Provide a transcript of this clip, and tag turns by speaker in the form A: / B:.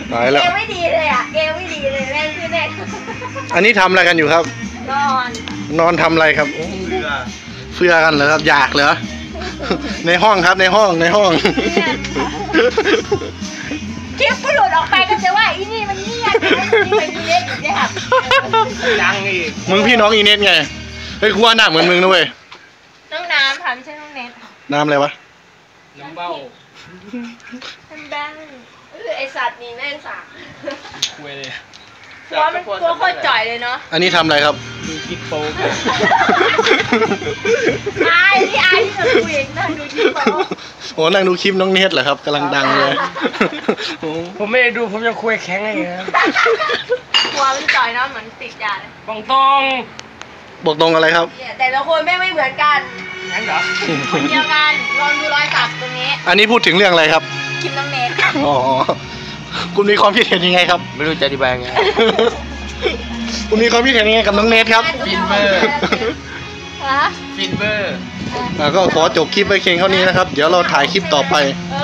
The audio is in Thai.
A: ตายแล้ว
B: เกมไม่ดีเลยอ่ะเกมไม่ดีเลยแม่คือแน่
A: อันนี้ทำอะไรกันอยู่ครับ
B: นอน
A: ทำอะไรครับเฟือกันเหรอครับอยากเหรอ ในห้องครับในห้อง
B: คลิปก็หลุดออกไปก็จะว่าอีนี่มันเงียบไปอีเล็กอีกเนี่ยครับ
C: ยังอีก
A: มึงพี่น้องอีเน็ตไงเฮ้ยกูว่าหน้าเหมือนมึงนะเว้ย
B: น้องน้ำค่ะไม่ใช่น้องเน็ต
A: น้ำอะไรวะ
C: น้ำเบ้า
B: เป็นแบงไอสัตว์นี่แม่งสา
C: คุยเลย
B: ตัวโคตรจ่อยเลยเนาะ
A: อันนี้ทำอะไรครับ
C: ดูกิ๊กโป๊ก
B: อายที่เราคุยเองนั่งดูคลิปเขา
A: โอ้นั่งดูคลิปน้องเน็ตเหรอครับกำลังดังเลยโอ้
C: ผมไม่ได้ดูผมยังคุยแข็งอะไรนะ
B: ตัวมันจ่อยเนาะเหมือนติดยาเลย
C: บองตอง
A: บอกตรงอะไรครับ
B: แต่ละคนไม่เหมือนกัน
C: ยังเหรอ
B: คนเดียวกันลองดูรอยสักตรงนี้
A: อันนี้พูดถึงเรื่องอะไรครับ
B: คลิปน้องเน็ต
A: อ๋อคุณมีความคิดเห็นยังไงครับ
C: ไม่รู้จะอธิบายไง
A: คุณมีความคิดเห็นยังไงกับน้องเนทครับ
C: ฟินเวอร์
B: ฮะ
C: ฟินเบอร์
A: ก็ขอจบคลิปไปเพียงเท่านี้นะครับ เดี๋ยวเราถ่ายคลิปต่อไป
B: เอ